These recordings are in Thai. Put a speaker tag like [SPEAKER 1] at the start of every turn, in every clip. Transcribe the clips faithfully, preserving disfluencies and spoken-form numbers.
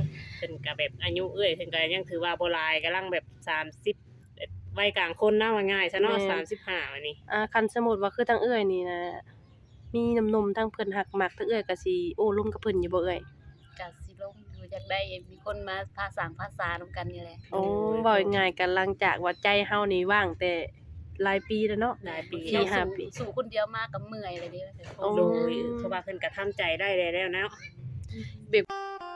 [SPEAKER 1] เพิ่นก็แบบอายุเอื้อยเพิ่นก็ยังถือว่าบ่หลายกำลังแบบสามสิบเอ็ดวัยกลางคนนะว่าง่ายซะเนาะสามสิบห้าบัดนี้
[SPEAKER 2] อ่าคันสมมุติว่าคือทางเอื้อยนี่นะมีหนุ่มๆทางเพิ่นฮักมักทางเอื้อยก็สิโอ้ร่วมกับเพิ่นอยู่บ่เอื้อย
[SPEAKER 3] ก็สิลงอยู่อยากได้มีคนมาพาสร้างภาษานำกันนี่แหละ
[SPEAKER 2] อ๋อเว้าง่ายๆก็หลังจากว่าใจเฮานี่ว่างแต่หลายปีแล้วเนาะ
[SPEAKER 1] หลายปี
[SPEAKER 2] สี่ห้าปี
[SPEAKER 3] สู่คนเดียวมาก็เมื่อยเลยเด้
[SPEAKER 2] อ๋อ
[SPEAKER 1] โดยเพราะว่าเพิ่นก็ทำใจได้แล้วเนาะ
[SPEAKER 2] แบบ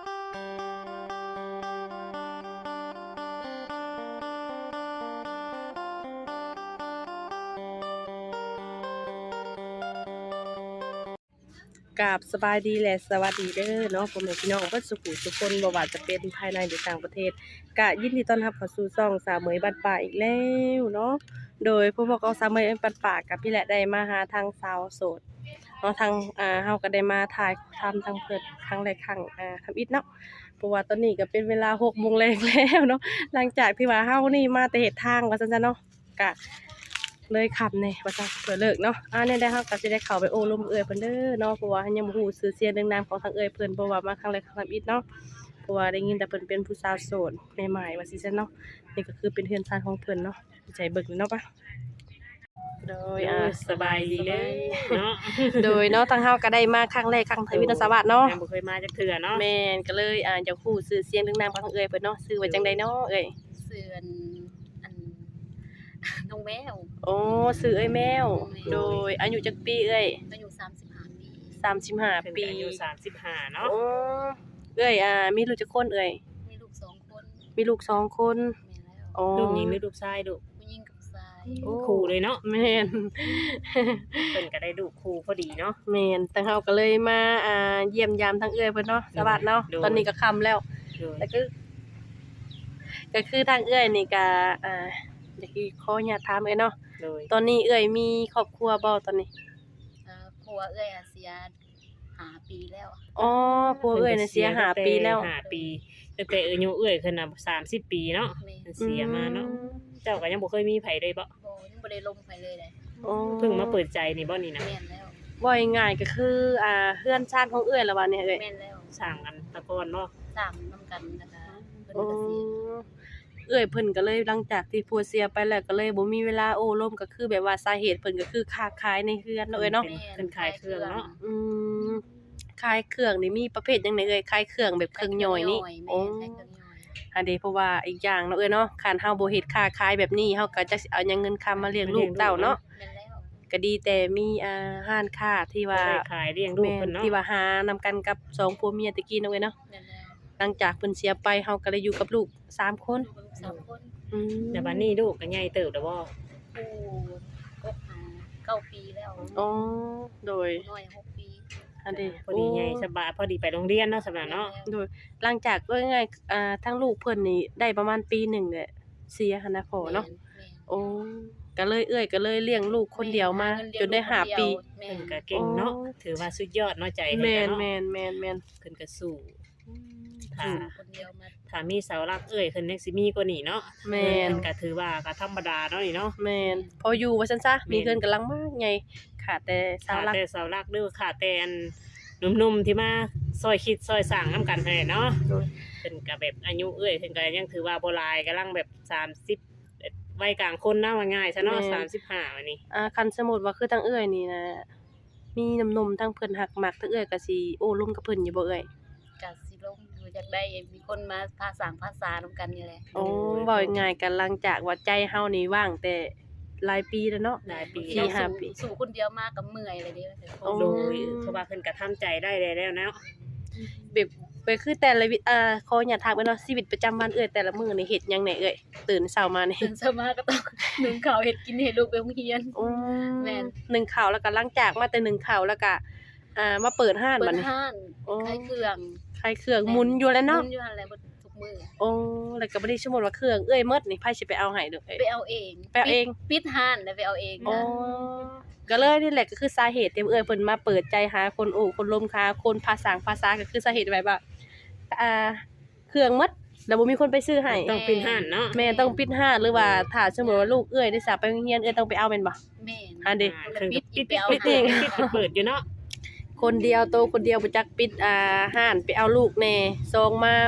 [SPEAKER 2] กราบสบายดีและสวัสดีเด้อเนาะพ่อแม่พี่น้องเบิดสุขุทุกคนบ่ว่าจะเป็นภายในหรือต่างประเทศก็ยินดีต้อนรับเข้าสู่ช่องสาวเหมยบ้านป่าอีกแล้วเนาะโดยผู้บอกเอาสาวเหมยบ้านป่ากับพี่แหละได้มาหาทางสาวโสดเนาะทางอ่าเฮาก็ได้มาถ่ายทำทางเพิ่นครั้งแรกครั้งอ่าทำอิฐเนาะเพราะว่าตอนนี้ก็เป็นเวลาหกโมงแลงแล้วเนาะหลังจากที่ว่าเฮานี่มาแต่เฮ็ดทางว่าซั่นๆเนาะก็เลยขับแหน่ว่าซั่นเพื่อเลิกเนาะอ่าเนี่ยได้เฮาก็สิได้เข้าไปโอ้ลมเอื้อยเพิ่นเด้อเนาะเพราะว่ายังบ่ฮู้ชื่อเสียงเรียงนามของทางเอื้อยเพิ่นเพราะว่ามาครั้งแรกครั้งทำอิฐเนาะเพราะว่าได้ยินแต่เพิ่นเป็นผู้สาวโสดใหม่ๆว่าซี่ซั่นเนาะนี่ก็คือเป็นเฮือนชานของเพิ่นเนาะใจเบิกเลยเนาะปะโดยอ่า
[SPEAKER 1] สบายดีเลยเนาะ
[SPEAKER 2] โดยเนาะทางเฮาก็ได้มาครั้งแรกครั้งทวินสวัสดิ์เนาะ
[SPEAKER 1] ยังบ่เคยมาจักเทื่อเนาะ
[SPEAKER 2] แม่นก็เลยอ่าอยากฮู้ชื่อเสียงเรียงนามของทางเอื้อยเพิ่นเนาะชื่อว่าจังไดเนาะเอ้ย
[SPEAKER 3] เสือนอัน น้องแมว
[SPEAKER 2] โอ้ชื่อเอ้ยแมว โดยอายุจักปีเอ้ย
[SPEAKER 3] อายุสามสิบห้าปี
[SPEAKER 2] สามสิบห้า
[SPEAKER 1] เพิ่น
[SPEAKER 2] ปี
[SPEAKER 1] ก็อายุสามสิบห้าเนาะ
[SPEAKER 2] โอ้เอ้ยอ่ามีลูกจักคนเอ้ย
[SPEAKER 3] มีลูกสองคน
[SPEAKER 2] มีลูกสองคน
[SPEAKER 3] แม่แล้ว
[SPEAKER 2] อ๋อ
[SPEAKER 1] ลูกหญิงหรือลูกชายลูก
[SPEAKER 3] ผู้หญิงกับชาย
[SPEAKER 2] โอ้
[SPEAKER 1] คู่เลยเนาะ
[SPEAKER 2] แม่น
[SPEAKER 1] เพิ่นก็ได้ลูกคู่พอดีเนาะ
[SPEAKER 2] แม่นทางเฮาก็เลยมาอ่าเยี่ยมยามทางเอื้อยเพิ่นเนาะสวัสดิ์เนาะ
[SPEAKER 1] โดย
[SPEAKER 2] ตอนนี้ก็ค่ำแล้ว
[SPEAKER 1] โดย
[SPEAKER 2] แต่ก็ก็คือทางเอื้อยนี่ก็อ่าอยากสิขออนุญาตถามเอ้ยเนาะ
[SPEAKER 1] โดย
[SPEAKER 2] ตอนนี้เอื้อยมีครอบครัวบ่ตอนนี้
[SPEAKER 3] เอ่อผัวเอ้ยอาเซียห้าปีแล้ว
[SPEAKER 2] อ๋อผัวเอื้อยน่ะเสียห้าปีแล้ว
[SPEAKER 1] ห้าปีตั้งแต่อายุเอื้อยขึ้นน่ะสามสิบปีเนาะ
[SPEAKER 3] แม่
[SPEAKER 1] เสียมาเนาะเจ้าก็ยังบ่เคยมีไผเลยบ่
[SPEAKER 3] บ่ยังบ่ได้ลงไปเลยเลย
[SPEAKER 2] อ๋อ
[SPEAKER 1] เพิ่งมาเปิดใจนี่บ่นี่นะ
[SPEAKER 3] แม่นแล้ว
[SPEAKER 2] ว่าง่ายๆก็คืออ่าเฮือนชาติของเอื้อยละว่าเนี่ยเอ้ย
[SPEAKER 3] แม่นแล้ว
[SPEAKER 1] สร้างกันแตะก่อนเนาะ
[SPEAKER 3] สร้างนํกันนะคะเพิ่น
[SPEAKER 2] อ๋อ
[SPEAKER 3] ก็เสีย
[SPEAKER 2] เอื้อยเพิ่นก็เลยหลังจากที่ผัวเสียไปแล้วก็เลยบ่มีเวลาโอ้ร่มก็คือแบบว่าสาเหตุเพิ่นก็คือค้าขายในเฮือนเนาะเอ้ยเนาะ
[SPEAKER 1] เพิ่นขายเครื่องเนาะ
[SPEAKER 2] อืมขายเครื่องนี่มีประเภทจังไดเอ่ยขายเครื่องแบบเครื่องย่อยนี่
[SPEAKER 3] แม่
[SPEAKER 2] โอ้
[SPEAKER 3] ใช้เครื่องย่อย
[SPEAKER 2] อันเดเพราะว่าอีกอย่างเนาะเอ้ยเนาะคันเฮาบ่เฮ็ดค้าขายแบบนี้เฮาก็จักสิเอาหยังเงินคำมาเลี้ยงลูกเต้าเนาะ
[SPEAKER 3] แม่นแล้ว
[SPEAKER 2] ก็ดีแต่มีอ่าร้านค้าที่ว่า
[SPEAKER 1] ได้ขายเลี้ยงลูก
[SPEAKER 2] แม่
[SPEAKER 1] เพิ่น
[SPEAKER 2] น
[SPEAKER 1] เนาะ
[SPEAKER 2] ที่ว่าหานำกันกับสองผัวเมียตะกี้เนาะเอ้ยเนาะ
[SPEAKER 3] แม่นแล้ว
[SPEAKER 2] หลังจากเพิ่นเสียไปเฮาก็เลยอยู่กับลูกสามคน
[SPEAKER 3] ลูกสามคน
[SPEAKER 2] อืม
[SPEAKER 1] แต่บัดนี้ลูกก็ใหญ่เติบแล้วบ่
[SPEAKER 3] ผู้ก็หาเก้าปีแล้ว
[SPEAKER 2] อ๋อโดย
[SPEAKER 3] น้อยหกปี
[SPEAKER 2] อันเด
[SPEAKER 1] พอดีใหญ่สบายพอดีไปโรงเรียนเนาะสำหรับเนาะ
[SPEAKER 2] โดยหลังจากว่าง่ายๆอ่าทั้งลูกเพิ่นนี่ได้ประมาณปีหนึ่งแหละเสียหันนะพ่อเนาะ โอ้ก็เลยเอื้อยก็เลยเลี้ยงลูกคนเดียวมาจนได้ห้าปี
[SPEAKER 3] แม่
[SPEAKER 1] เพิ่นก็เก่งเนาะถือว่าสุดยอดเนาะใจเพิ่น
[SPEAKER 2] แม่
[SPEAKER 1] ก็
[SPEAKER 2] น
[SPEAKER 1] เนาะ
[SPEAKER 2] แม่นแม่นแม่น
[SPEAKER 1] เพิ่นก็สู้ถ้า
[SPEAKER 2] อืม
[SPEAKER 3] คนเดียวมา
[SPEAKER 1] ถ้ามีเสาหลักเอ้ยเพิ่นยังสิมีกว่านี้เนาะ
[SPEAKER 2] แม่น
[SPEAKER 1] เพิ่นก็ถือว่าก็ธรรมดาเนาะนี่เนาะ
[SPEAKER 2] แม่นพออยู่ว่าซั่นซะมีเงินกำลังมากไงขาดแต่เสา
[SPEAKER 1] ขาด
[SPEAKER 2] หลัก
[SPEAKER 1] แต่เสาหลักหรือขาดแต่อันหนุ่มๆที่มาซอยคิดซอยสร้างนํกันให้เนาะ
[SPEAKER 2] โดย
[SPEAKER 1] เพิ่นก็แบบอายุเอ้ยเพิ่นก็ยังถือว่าบ่หลายกำลังแบบสามสิบเอ็ดวัยกลางคนนะว่าง่ายซะเนาะสามสิบห้าบัดนี้
[SPEAKER 2] อ่าคันสมมุติว่าคือทางเอื้อยนี่นะมีหนุ่มๆทางเพิ่นฮักมักทางเอื้อยก็สิโอ้ร่วมกับเพิ่นอยู่บ่เอื้อย
[SPEAKER 3] ก็สิลงอยู่อยากได้มีคนมาพาสร้างภาษานำกันนี่แหละ
[SPEAKER 2] โอ้เว้าง่ายๆก็หลังจากว่าใจเฮานี่ว่างแต่หลายปีแล้วเนาะ
[SPEAKER 1] หลายปี
[SPEAKER 2] สี่ห้าปี
[SPEAKER 3] สู่คนเดียวมาก็เมื่อยเลยเด้
[SPEAKER 2] โอ้
[SPEAKER 1] โดยเพราะว่าเพิ่นก็ทำใจได้แล้วเนาะ
[SPEAKER 2] แบบไปคือแต่ละวิอ่าขออย่าถามเอ้ยเนาะชีวิตประจำวันเอ้ยแต่ละมื้อนี่เฮ็ดหยังแหน่เอ้ยตื่นเช้ามานี่
[SPEAKER 3] ตื่นเช้ามาก็ต้องนึ่งข้าวเฮ็ดกินให้ลูกไปโรงเรียน
[SPEAKER 2] อืม
[SPEAKER 3] แม่น
[SPEAKER 2] หนึ่งข้าวแล้วก็หลังจากมาแต่หนึ่งข้าวแล้วก็อ่ามาเปิดห้าน
[SPEAKER 3] เปิ
[SPEAKER 2] บัด
[SPEAKER 3] ด
[SPEAKER 2] นี้
[SPEAKER 3] ห้าน
[SPEAKER 2] โอ้
[SPEAKER 3] ขายเครื่อง
[SPEAKER 2] ขายเครื่องหมุนอยู่แล้วเนาะ
[SPEAKER 3] หมุนอยู่หั่นแหละเบิดทุกมื้อ
[SPEAKER 2] โอ้แล้วก็บ่ได้สมมุติว่าเครื่องเอ้ยหมดนี่ไผสิไปเอาให้เด้อเอ้ย
[SPEAKER 3] ไปเอาเอง
[SPEAKER 2] ไปเอาเอง
[SPEAKER 3] ปิดห้านแล้วไปเอาเอง
[SPEAKER 2] อ๋อ
[SPEAKER 3] นะ
[SPEAKER 2] ก็เลยนี่แหละก็คือสาเหตุที่เอ้ยเพิ่นมาเปิดใจหาคนโอ้คนลมค้าคนภาษาภาษาก็คือสาเหตุแบบว่าอ่าเครื่องหมดแล้วบ่มีคนไปซื้อให้
[SPEAKER 1] ต้องปิดห้านเนาะ
[SPEAKER 2] แม่ต้องปิดห้านหรือว่าถ้าสมมุติว่าลูกเอ้ยได้สาไปโรงเรียนเอ้ยต้องไปเอาแม่นบ่
[SPEAKER 3] แม่น
[SPEAKER 2] อันเด้
[SPEAKER 1] อ่าเพิ่น
[SPEAKER 3] ปิ
[SPEAKER 1] ก็
[SPEAKER 3] ด
[SPEAKER 1] ปิด
[SPEAKER 3] ไปเอา
[SPEAKER 1] ปิด
[SPEAKER 3] เอง
[SPEAKER 1] ปิดปิดเปิดอยู่เนาะ
[SPEAKER 2] คนเดียวโตคนเดียวบ่จักปิดอ่าห้านไปเอาลูกแน่ซองมา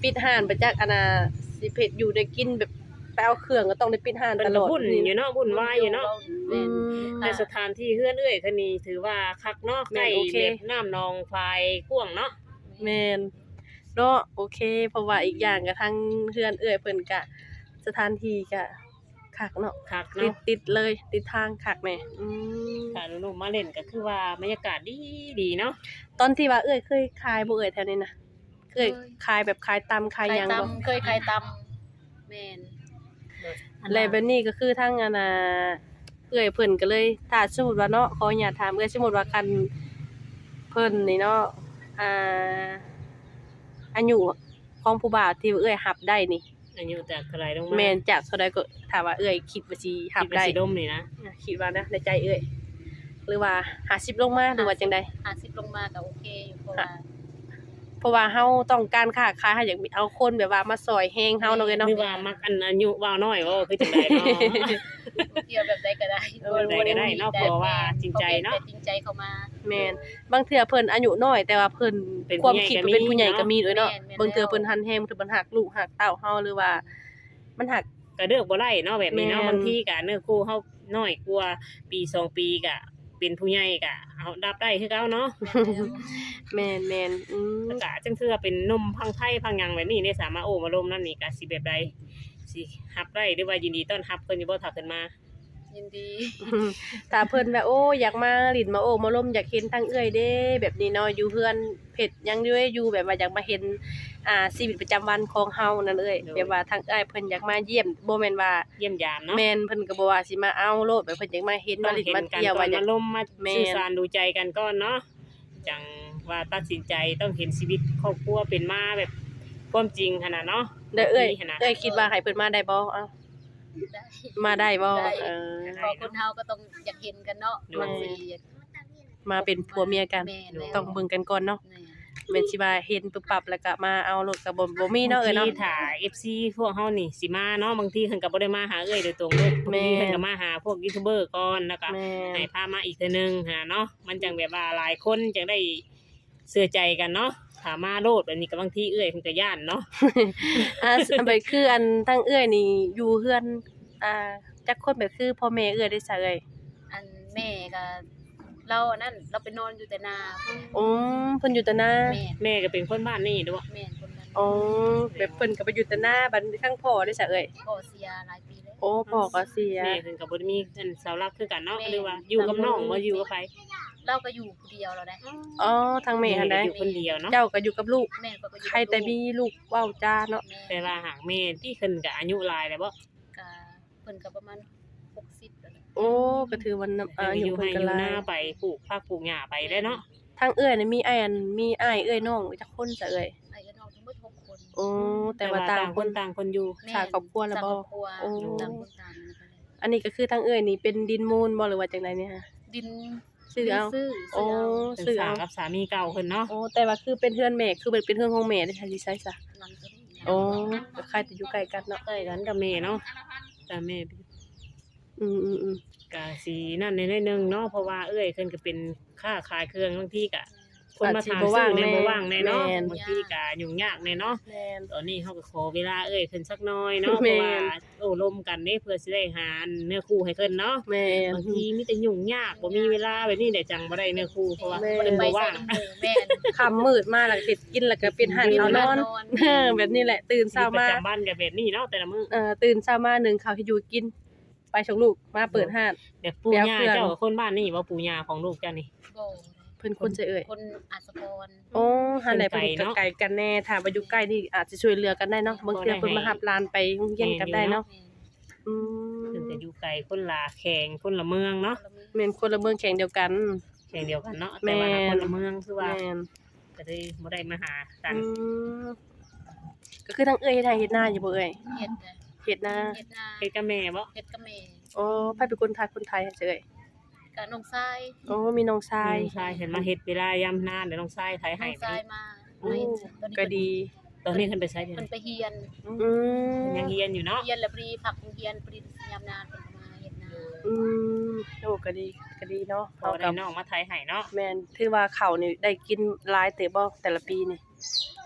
[SPEAKER 2] ปิดห้านไปจักอันน่ะสิเผ็ดอยู่ได้กินแบบไปเอาเครื่องก็ต้องได้ปิดห้าน
[SPEAKER 1] เพิ่
[SPEAKER 2] ต
[SPEAKER 1] น
[SPEAKER 2] ล
[SPEAKER 1] ก็
[SPEAKER 2] อด
[SPEAKER 1] วุ่นอยู่เนาะวุ่นวายอยู่เนาะ
[SPEAKER 2] อืม
[SPEAKER 1] ในสถานที่เฮือนเอ้ยเท่านี้ถือว่าคักเนาะ
[SPEAKER 2] แม่
[SPEAKER 1] ใกล้
[SPEAKER 2] นโอเค
[SPEAKER 1] เล็บน้ำนองไฟกว้างเนาะ
[SPEAKER 2] แม่นเนาะโอเค เพราะว่าอีกอย่างก็ทางเฮือนเอื้อยเพิ่นก็สถานที่ก็คักเนาะ
[SPEAKER 1] คัก
[SPEAKER 2] ติด
[SPEAKER 1] เนาะ
[SPEAKER 2] ติดเลยติดทางคักแหน่อืม
[SPEAKER 1] ถ้าลูกๆมาเล่นก็คือว่าบรรยากาศดีดีเนาะ
[SPEAKER 2] ตอนที่ว่าเอื้อยเคยขายบ่เอื้อยแถวนี้นะเคยขายแบบขายตำขาย
[SPEAKER 3] ไข่
[SPEAKER 2] หยังบ่
[SPEAKER 3] ตำเคยไข่ตำแม่น
[SPEAKER 2] แล้วแบบนี้ก็คือทางอันน่ะเอื้อยเพิ่นก็เลยถ้าสมมุติว่าเนาะขออนุญาตถามเอื้อยสมมุติว่าคันเพิ่นนี่เนาะอ่าอายุของผู้บ่าวที่เอื้อยรับได้นี่
[SPEAKER 1] อายุจากเท่าไหร่ลงมา
[SPEAKER 2] แม่นจากเท่าใดก็ถ้าว่าเอื้อยคิดว่าสิรับ
[SPEAKER 1] คิดว่า
[SPEAKER 2] ได้
[SPEAKER 1] สิดมนี่นะ
[SPEAKER 2] คิดว่านะในใจเอื้อยหรือว่าห้าสิบลงมาหรือว่าจังใด
[SPEAKER 3] ห้าสิบลงมาก็โอเคอยู่เพราะว่า
[SPEAKER 2] เพราะว่าเฮาต้องการค้าขายเฮาอยากมีเอาคนแบบว่ามาซอยแฮงเฮาเนาะเอ้ย
[SPEAKER 1] ห
[SPEAKER 2] เนาะ
[SPEAKER 1] รือว่ามักอันอายุว่าวน้อยว่าคือจังไดเนาะ
[SPEAKER 3] เกี่ยวแบบใดก็ได้
[SPEAKER 1] เออแบบใดก็ได้เนาะเพราะว่าจริงใจเนาะ
[SPEAKER 3] แต่จริงใจเข้ามา
[SPEAKER 2] แม่นบางเทื่อเพิ่นอายุน้อยแต่ว่าเพิ่น
[SPEAKER 1] เป็น
[SPEAKER 2] ความ
[SPEAKER 1] ผู้ใหญ่
[SPEAKER 2] คิด
[SPEAKER 1] ก็มี
[SPEAKER 2] เป็นผู้ใหญ่ก็มีด้วยเนาะ
[SPEAKER 3] แม่นแม่น
[SPEAKER 2] บางเทื่อเพิ่นหันแฮงเพิ่นหักลูกหักเต้าเฮาหรือว่า มันหัก
[SPEAKER 1] ก็เลือกบ่ได้เนาะแบบนี้เนาะ
[SPEAKER 2] แม่น
[SPEAKER 1] บางทีก็เนื้อคู่เฮาน้อยกว่าปีสองปีก็เป็นผู้ใหญ่ก็เอารับได้คือเก่าเนาะ
[SPEAKER 2] แม่นแม่นอืม
[SPEAKER 1] แล้วก็จังเทื่อเป็นนมพังไทยพังหยังแบบนี้ได้สามารถโอ้มาลมนั่นนี่ก็สิแบบใดสิรับได้หรือว่ายินดีต้อนรับเพิ่นอยู่บ่ถ้าเพิ่นมา
[SPEAKER 3] ยินดี
[SPEAKER 2] ถ้าเพิ่นแบบโอ้อยากมาลิ้นมาโอ้มาล้มอยากเห็นทางเอื้อยเด้ แบบนี้เนาะอยู่เฮือนเผ็ดหยังอยู่อยู่แบบว่าอยากมาเห็นอ่าชีวิตประจำวันของเฮานั่นเอ้ยแบบว่าทางเอื้อยเพิ่นอยากมาเยี่ยมบ่แม่นว่า
[SPEAKER 1] เยี่ยมยามเนาะ
[SPEAKER 2] แม่นเพิ่นก็บ่ว่าสิมาเอาโลดแบบเพิ่นอยากมาเห็น
[SPEAKER 1] ต้
[SPEAKER 2] มา
[SPEAKER 1] อง
[SPEAKER 2] ลิ้น
[SPEAKER 1] เห็น
[SPEAKER 2] มา
[SPEAKER 1] กัน
[SPEAKER 2] เที่ยว
[SPEAKER 1] ก่อ
[SPEAKER 2] ว่าน อยาม
[SPEAKER 1] าก ลมมา
[SPEAKER 2] แม่น
[SPEAKER 1] สื่อสารดูใจกันก่อนเนาะจังว่าตัดสินใจต้องเห็นชีวิตครอบครัวเป็นมาแบบความจริงขนาดเนาะ
[SPEAKER 2] เด้อเอ้ย
[SPEAKER 1] นี่ขนาด
[SPEAKER 2] เอ้ยคิดว่าให้เพิ่นมาได้บ่เอ้า
[SPEAKER 3] ได้
[SPEAKER 2] มาได้บ่
[SPEAKER 3] ได้
[SPEAKER 2] เออ
[SPEAKER 3] พอคนเฮาก็ต้องอยากเห็นกันเนาะบางที
[SPEAKER 2] มาเป็นผัวเมียกัน
[SPEAKER 3] แม่นแล้ว
[SPEAKER 2] ต้องเบิ่งกันก่อนเนาะ
[SPEAKER 3] แม่น
[SPEAKER 2] แม่นสิว่าเห็นปึ๊บปั๊บแล้วก็มาเอาโลดก็บ่บ่มีเนาะเอ้ยเนาะ
[SPEAKER 1] บงทีถ้า เอฟ ซี พวกเฮานี่สิมาเนาะบางทีเพิ่นก็บ่ได้มาหาเอ้ยโดยตรงเด้บาง
[SPEAKER 2] แม่
[SPEAKER 1] ที
[SPEAKER 2] น
[SPEAKER 1] เพิ่นก็มาหาพวกยูทูบเบอร์ก่อนแล้วก็
[SPEAKER 2] แม่
[SPEAKER 1] ให้พามาอีกเทื่อนึงหาเนาะมันจังแบบว่าหลายคนจังได้เชื่อใจกันเนาะถ้ามาโลดแบบนี้ก็บางทีเอ้ยเพิ่นก็ย่านเนาะ
[SPEAKER 2] อ่าอันไปคืออันทั้งเอื้อยนี่อยู่เฮือนอ่าจักคนแบบคือพ่อแม่เอื้อยได้ซะเอ้ย
[SPEAKER 3] อันแม่ก็เราอันนั้นเราไปนอนอยู่แต่นา
[SPEAKER 2] อืมเพิ่นอยู่แต่หน้า
[SPEAKER 3] แม่
[SPEAKER 1] แม่ก็เป็นคนบ้านนี่ด้วย
[SPEAKER 3] แม่นคนนั้น
[SPEAKER 2] อ๋อแบบเพิ่นก็ไปอยู่แต่หน้าบัดข้างพ่อได้ซะเอ้ย
[SPEAKER 3] พ่อเสียหลายปีแล้ว
[SPEAKER 2] โอ้พ่อก็เสีย
[SPEAKER 1] แม่เพิ่นก็บ่ได้มีอันเสาหลักคือกันเนาะ
[SPEAKER 3] แม่
[SPEAKER 1] หรือว่าอยู่กับน้องบ่อยู่กับไผ
[SPEAKER 3] เราก็อยู่ผู้เดียวเราได้
[SPEAKER 2] อ๋อทางแม่หั่นได้
[SPEAKER 1] ก็อยู่คนเดียวเนาะ
[SPEAKER 2] เจ้าก็อยู่กับลูก
[SPEAKER 3] แม่ก็ก็อยู่
[SPEAKER 2] ใครแต่มีลูกเว้าจ้าเนาะ
[SPEAKER 3] แม่
[SPEAKER 1] แต่ว่าหากแม่ที่เพิ่นก็อายุหลายแล้วบ่
[SPEAKER 3] ก็เพิ่นก็ประมาณหกสิบแล้วแหละ
[SPEAKER 2] โอ้ก็ถือว่าน้ำ
[SPEAKER 1] เพิ่
[SPEAKER 2] อาน
[SPEAKER 1] ก็อ
[SPEAKER 2] ยุ
[SPEAKER 1] ยู่
[SPEAKER 2] เพิ่
[SPEAKER 1] ให้
[SPEAKER 2] น
[SPEAKER 1] อ
[SPEAKER 2] ก็
[SPEAKER 1] ยู่
[SPEAKER 2] หลา
[SPEAKER 1] หน้าย ไปปลูกผักปลูกหญ้าไปได้เนาะ
[SPEAKER 2] ทางเอื้อยนี่มีอ้ายอันมีอ้ายเอื้อยน้องจักคนซะเอ้ย
[SPEAKER 3] ไอ้ก็น้องทั้งหมดหกคน
[SPEAKER 2] โอ้แต่ว่าต่างคน
[SPEAKER 1] ต่างคนอยู่
[SPEAKER 3] แม่
[SPEAKER 2] สร้างครอบครัวแล้วบ่
[SPEAKER 3] สร้างครอบครัว
[SPEAKER 2] โอ้
[SPEAKER 3] ต่างคนต่างนั่นแหละ
[SPEAKER 2] อันนี้ก็คือทางเอื้อยนี่เป็นดินมูลบ่หรือว่าจังไดเนี่ยฮะ
[SPEAKER 3] ดิน
[SPEAKER 2] ซื้อเอา
[SPEAKER 3] ซื้อ
[SPEAKER 2] โอ้
[SPEAKER 3] ซื้อเอา
[SPEAKER 1] เป็น
[SPEAKER 2] ซื้อ
[SPEAKER 1] สา
[SPEAKER 2] เอา
[SPEAKER 1] วกับสามีเก่าเพิ่นเนาะ
[SPEAKER 2] โอ้แต่ว่าคือเป็นเฮือนแม่คือเป็นเป็นเฮือนของแม่ได้ค่ะสิใช่ซะ
[SPEAKER 3] หลังตัวนี้
[SPEAKER 2] โอ้ก็ใครจะอยู่ใกล้กันเนาะ
[SPEAKER 1] ใกล้กันกับแม่เนาะแต่แม่
[SPEAKER 2] อืมๆ
[SPEAKER 1] ก็สินั่นในๆนึงเนาะเพราะว่าเอ้ยเพิ่นก็เป็นค้าขายเครื่องบางทีก็คนมาถามซื้อในบ่ว่างแน่เนาะบางทีก็ยุ่งยากแน่เนาะ
[SPEAKER 2] ๆแม่น
[SPEAKER 1] ตอนนี้เขาก็ขอเวลาเอ้ยเพิ่นสักหน้อยเนาะเพ
[SPEAKER 2] แม่น
[SPEAKER 1] ราะว่าโอ้ลมกันเด้เพื่อสิได้หาเนื้อคู่ให้เพิ่นเนาะ
[SPEAKER 2] แม่น
[SPEAKER 1] บางทีมีแต่ยุ่งยากบ่มีเวลาแบบนี้ได้จังบ่ได้เนื้อคู่เพราะว่า
[SPEAKER 2] แม่
[SPEAKER 1] เพิ่น
[SPEAKER 3] ไป
[SPEAKER 1] บ่
[SPEAKER 3] ใส่
[SPEAKER 1] ว่าง
[SPEAKER 3] น้ำหมูแม่น
[SPEAKER 2] ค่ำมืดมาแล้วก็สิกินแล้วก็เป็นหันเอานอนเออแบบนี้แหละตื่น
[SPEAKER 1] ชี
[SPEAKER 2] เช้า
[SPEAKER 1] วิตประ
[SPEAKER 2] มา
[SPEAKER 1] จำวันก็แบบนี้เนาะแต่ละมื้อ
[SPEAKER 2] เอ่อตื่นเช้ามานึ่งข้าวให้อยู่กิน ไปส่งลูกมาเปิดห้าน
[SPEAKER 1] แบบปู่ย่า
[SPEAKER 2] ไปเอาเครื่อง
[SPEAKER 1] เจ้ากับคนบ้านนี่บ่ปู่ย่าของลูกเจ้านี่
[SPEAKER 3] บ่
[SPEAKER 2] เพิ่นคนจะเอ่ย
[SPEAKER 3] คนอัศพร
[SPEAKER 2] โอ้หันไหน
[SPEAKER 1] เพิ่
[SPEAKER 2] เพิ่น
[SPEAKER 1] นไกล
[SPEAKER 2] ก็
[SPEAKER 1] เนาะ
[SPEAKER 2] ไกลกันแน่ถ้าว่าอยู่ใกล้นี่อาจจะช่วยเหลือกันได้เนาะบางเทื่อเพิ่นมารับหลานไปโรงเรียนกันได้เนาะ
[SPEAKER 3] แม่น
[SPEAKER 2] อื
[SPEAKER 1] เพิ่น
[SPEAKER 2] ม
[SPEAKER 1] จะอยู่ไกลคนละแข่งคนละเมืองเนาะ
[SPEAKER 3] คนละมื้อ
[SPEAKER 2] แม่นคนละเมืองแข่งเดียวกัน
[SPEAKER 1] แข่งเดียวกันเนาะ
[SPEAKER 2] แม่
[SPEAKER 1] แต่ว่าคนละเมืองคือว่า
[SPEAKER 2] แม่น
[SPEAKER 1] ก็เลยบ่ได้มาหากัน
[SPEAKER 2] อืมก็คือทั้งเอ้ยเฮ็ดไร่เฮ็ดนาอยู่บ่เอ้ย
[SPEAKER 3] เฮ็ดน่ะ
[SPEAKER 2] เฮ็ดนา
[SPEAKER 3] เฮ็ดนา
[SPEAKER 1] เฮ็ดกับแม่บ่
[SPEAKER 3] เฮ็ดกับแม่
[SPEAKER 2] อ๋อไผเป็นคนไทยคนไทยเฉย
[SPEAKER 3] กับน้องชาย
[SPEAKER 2] โอ้มีน้องชาย
[SPEAKER 1] น้องชายเห็นมาเฮ็ดเวลายามหน้าเดี๋ยวน้องชายไทย
[SPEAKER 3] น้
[SPEAKER 1] ให้
[SPEAKER 3] อง
[SPEAKER 1] ไป
[SPEAKER 3] ชายมา
[SPEAKER 2] โอ้
[SPEAKER 3] ตอนนี้
[SPEAKER 2] ก็ดี
[SPEAKER 1] ตอนนี้เพิ่นไปใช้เดี๋ยว
[SPEAKER 3] เพิ่น
[SPEAKER 1] นี้
[SPEAKER 3] ไปเฮียน
[SPEAKER 2] อืม
[SPEAKER 1] ยังเรียนอยู่เนาะ
[SPEAKER 3] เฮียนแล้วพอดีพักเฮียนพอดียามนานเพิ่นก็มาเฮ็ดนา
[SPEAKER 2] อืมโอ้ก็ดีก็ดีเนาะ
[SPEAKER 1] พอ
[SPEAKER 2] เฮา
[SPEAKER 1] ได้
[SPEAKER 2] กับ
[SPEAKER 1] น้องมาไทยให้เนาะ
[SPEAKER 2] แม่นถือว่าข้าวนี่ได้กินหลายเตะบ่แต่ละปีนี่
[SPEAKER 3] ห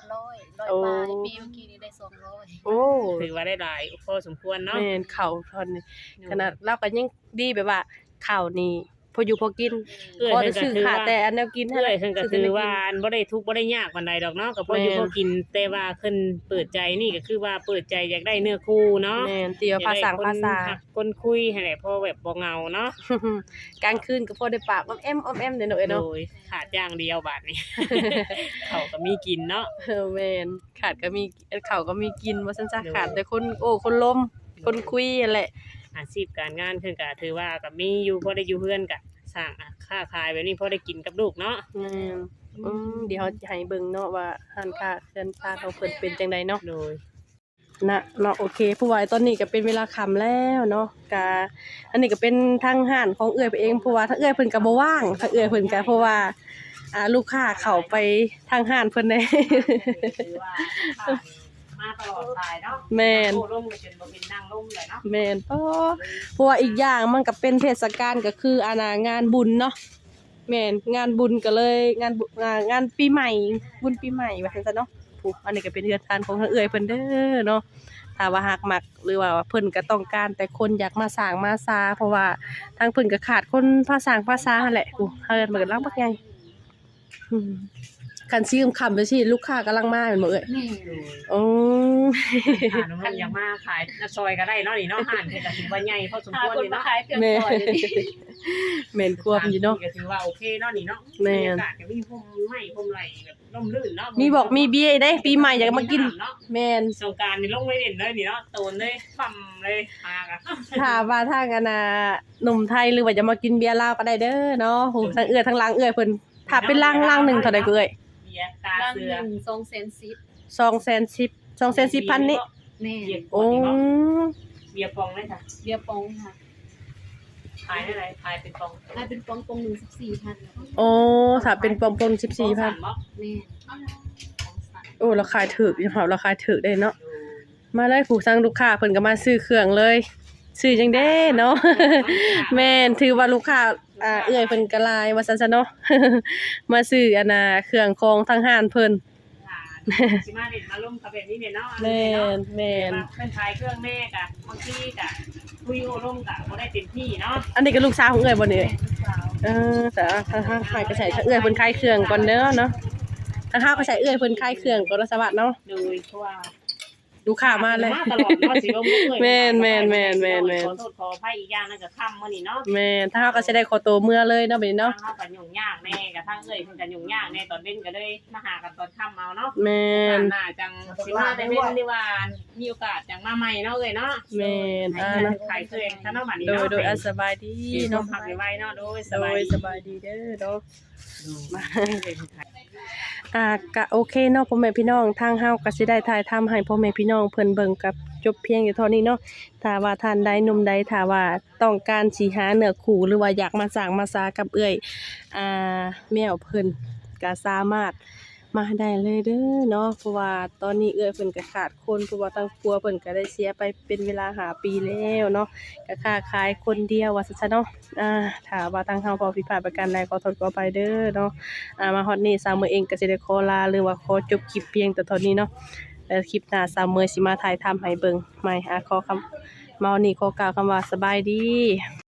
[SPEAKER 3] ร้อยร้อย
[SPEAKER 2] โอ้
[SPEAKER 3] บาทปีเมื่อกี้นี้ได้สองร้อย
[SPEAKER 2] โอ้
[SPEAKER 1] ถือว่าได้หลายพอสมควรเนาะ
[SPEAKER 2] แม่นข้าวทอนนี่ขนาดเราก็ยังดีแบบว่าข้าวนี่พออยู่พอกิน
[SPEAKER 1] เอื้อย
[SPEAKER 2] พอ
[SPEAKER 1] เพิ่
[SPEAKER 2] ได้
[SPEAKER 1] นก็
[SPEAKER 2] ซื้อ
[SPEAKER 1] ถือ
[SPEAKER 2] ขาด
[SPEAKER 1] ว่า
[SPEAKER 2] แต่อันแนวกิน
[SPEAKER 1] เอื้อยเพิ่นก็
[SPEAKER 2] ซื้
[SPEAKER 1] ถือ
[SPEAKER 2] แนว
[SPEAKER 1] ว่า
[SPEAKER 2] กิน
[SPEAKER 1] อันบ่ได้ทุกข์บ่ได้ยากปานใดดอกเนาะก็พออยู่
[SPEAKER 2] แม่น
[SPEAKER 1] พอกินแต่ว่าเพิ่นเปิดใจนี่ก็คือว่าเปิดใจอยากได้เนื้อคู่เนาะ
[SPEAKER 2] แม่นเตียวภาษาภาษา
[SPEAKER 1] อยกได้คนหักคนคุยให้แหละพอแบบบ่เหงาเนาะ
[SPEAKER 2] กลางคืนก็พอได้ปากอ้อมแอมอ้อมแอมเด้อเนาะเอ้ย
[SPEAKER 1] โด
[SPEAKER 2] เนาะ
[SPEAKER 1] ยขาดอย่างเดียวบาดนี้ เขาก็มีกินเนาะ
[SPEAKER 2] เออแม่นขาดก็มีข้าวก็มีกินว่าซั่นซะ
[SPEAKER 1] โดย
[SPEAKER 2] ขาดแต่คนโอ้คนลมคนคุยนั่นแหละ
[SPEAKER 1] อาชีพการงานเพิ่นก็ถือว่าก็มีอยู่พอได้อยู่เฮือนก็สร้างค้าขายแบบนี้พอได้กินกับลูกเนาะ
[SPEAKER 2] แม่นอืมเดี๋ยวเราจะให้เบิ่งเนาะว่าร้านค้าเรือนค้าของเพิ่นเป็นจังไดเนาะ
[SPEAKER 1] โดย
[SPEAKER 2] นะเนาะโอเคผู้ว่าตอนนี้ก็เป็นเวลาค่ำแล้วเนาะกะอันนี้ก็เป็นทางห้านของเอื้อยไปเองเพราะว่าถ้าเอื้อยเพิ่นก็บ่ว่างถ้าเอื้อยเพิ่นก็เพราะว่าอ่าลูกค้าเข้าไปทางห้านเพิ่นได้
[SPEAKER 1] ถือว่ามาตลอดสายเนาะ
[SPEAKER 2] แม่น
[SPEAKER 1] โอ้ร่มก็จนบ่เป็นนั่งร่มเลยเนาะ
[SPEAKER 2] แม่นเพราะเพราะว่าอีกอย่างมันก็เป็นเทศกาลก็คืออาณางานบุญเนาะแม่นงานบุญก็เลยงานบุงานงานปีใหม่บุญปีใหม่ว่าซั่นซะเนาะผู้อันนี้ก็เป็นเรือนทานของทางเอื้อยเพิ่นเด้อเนาะถ้าว่าหากมักหรือว่าเพิ่นก็ต้องการแต่คนอยากมาสร้างมาซาเพราะว่าทางเพิ่นก็ขาดคนภาษาภาษาหั่นแหละกูเฮือนมันก็ลังบักใหญ่อืมคันซีค่ำๆไปสิลูกค้ากำลังมาแม่นบ่เอ้ย
[SPEAKER 3] แม่
[SPEAKER 2] โอ้
[SPEAKER 1] หาน้องๆอยากมาขายหน้าซอยก็ได้เนาะนี่เนาะห้านเพิ่นก็ถือว่าใหญ่พอสม
[SPEAKER 3] หา
[SPEAKER 1] ควร
[SPEAKER 3] คน
[SPEAKER 1] นี่
[SPEAKER 3] มา
[SPEAKER 1] เนาะ
[SPEAKER 3] ขายเครื่อง
[SPEAKER 2] แม่
[SPEAKER 3] ซอยเลยดิ
[SPEAKER 2] แม่นควบอยู่เนาะ
[SPEAKER 1] ก็ถือว่าโอเคเนาะนี่เนาะ
[SPEAKER 2] แม่น
[SPEAKER 1] บรรยากาศก็มีพรมไม้พรมไหลแบบร่มรื่นเนาะ
[SPEAKER 2] มีบอกมีเบียร์ได้ปีใหม่อยากมากิน
[SPEAKER 1] เนาะ
[SPEAKER 2] แม่น
[SPEAKER 1] สงกรานต์นี่ลงไว้เด่นเลยนี่เนาะโตนเลยปั่มเลยพากะ
[SPEAKER 2] ถ้าว่าทางอันน่ะหนุ่มไทยหรือว่าจะมากินเบียร์ลาวก็ได้เด้อเนาะโหทั้งเอื้อยทั้งล้างเอื้อยเพิ่นถ้าเป็นล้างล้างหนึงเท่าใดก็เอ้ย
[SPEAKER 1] เบียร์ตา
[SPEAKER 3] ร่าง
[SPEAKER 1] เสื
[SPEAKER 3] ห
[SPEAKER 1] อ
[SPEAKER 3] นึ่งสองแสนสิบ
[SPEAKER 2] สองแสนสิบ สองแสนสิบพันนี่
[SPEAKER 3] แม่
[SPEAKER 1] เบียร์ป
[SPEAKER 2] โอ้
[SPEAKER 1] งนี่บ่เบียร์ปองเลยค่ะ
[SPEAKER 3] เบียร์ปองค่ะ
[SPEAKER 1] ขายได้ไรขายเป็นปอง
[SPEAKER 3] ถ้าเป็นปองปองหนึ่งสิบสี่พัน
[SPEAKER 2] โอ้ถ้าเป็นปอมๆสิบสี่พัน
[SPEAKER 1] บ่
[SPEAKER 3] แม่
[SPEAKER 2] โอ้ราคาถูกอยู่ค่ะราคาถูกได้เนาะมาเลยผู้สั่งลูกค้าเพิ่นก็มาซื้อเครื่องเลยซื้อจังเด้เนาะ แม่นถือว่าลูกค้าอ่าเอื้อยเพิ่นก็หลายว่าซั่นซะเนาะ มาซื้ออันน่ะเครื่องของทางห้านเพิ่น
[SPEAKER 1] สิมาเด่นมาล่มกับแบบนี้เนี่ยเนาะ
[SPEAKER 2] แม่นแม่น
[SPEAKER 1] เป็นขายเครื่องแม่กะบางทีกะคุยโอร่มกะบ่ได้เต็มที่เนาะ
[SPEAKER 2] อันนี้ก็ลูกสาวของเอื้อยบ่นี่
[SPEAKER 3] แม่ลูกสาว
[SPEAKER 2] เออแต่ทางห้างขายก็ใส่เอื้อยเพิ่นขายเครื่องก่อนเด้อเนาะทางห้างก็ใส่เอื้อยเพิ่นขายเครื่องก่อนเนาะสวัสดิ์เนาะ
[SPEAKER 1] โดยเพราะว่า
[SPEAKER 2] ลูกค้ามาเลย
[SPEAKER 1] ตลอดเนาะสิลมบ่เอ่ย
[SPEAKER 2] แม่นแม่นแม่นแม่นแม่น
[SPEAKER 1] ขอโทษขออภัยอีกอย่างนึงก็ค่ำมื้อนี้เนาะ
[SPEAKER 2] แม่นทางห้างก็สิได้ขอตัวเมื่อเลยเนาะบัดนี้เนาะ
[SPEAKER 1] ทางเฮาก็ยุ่งยากแน่กะทางเอ้ยเพิ่นก็ยุ่งยากแน่ตอนเว้นก็เลยมาหากันตอนค่ำเอาเนาะ
[SPEAKER 2] แม่น
[SPEAKER 1] น่าจังสิมาได้เว้นดีว่ามีโอกาสจังมาใหม่เนาะเอ้ยเนาะ
[SPEAKER 2] แม่นอ่า
[SPEAKER 1] เนาะ
[SPEAKER 2] เนาะ
[SPEAKER 1] ขายเครื่องซะเนาะบัดนี้
[SPEAKER 2] โดย
[SPEAKER 1] เนาะ
[SPEAKER 2] โดยอ่ะสบายดี
[SPEAKER 1] เนาะ
[SPEAKER 2] เนาะ
[SPEAKER 1] พักไว้เนาะโดยส
[SPEAKER 2] โด
[SPEAKER 1] บาย
[SPEAKER 2] ย
[SPEAKER 1] ดี
[SPEAKER 2] สบายดีเด้อเนาะ
[SPEAKER 1] มา
[SPEAKER 2] อ่าก็โอเคเนาะพ่อแม่พี่น้องทางเฮาก็สิได้ถ่ายทำให้พ่อแม่พี่น้องเพิ่นเบิ่งกับจบเพียงอยู่เท่านี้เนาะถ้าว่าท่านใดหนุ่มใดถ้าว่าต้องการสิหาเนื้อคู่หรือว่าอยากมาสร้างมาสากับเอื้อยอ่าแมวเพิ่นก็สามารถมาได้เลยเด้อเนาะเพราะว่าตอนนี้เอื้อยเพิ่นก็ขาดคนเพราะว่าทางครัวเพิ่นก็ได้เสียไปเป็นเวลาห้าปีแล้วเนาะก็ค้าขายคนเดียวว่าซั่นซะเนาะอ่าถ้าว่าทางเฮาพอผิดพลาดประการใดขอโทษขออภัยเด้อเนาะ อ่ามาฮอดนี้สาวเมอเองก็สิได้ขอลาหรือว่าขอจบคลิปเพียงแต่เท่านี้เนาะแล้วคลิปหน้าสาวเมอสิมาถ่ายทำให้เบิ่งใหม่อ่ะขอคำมาวันนี้ขอกล่าวคำว่าสบายดี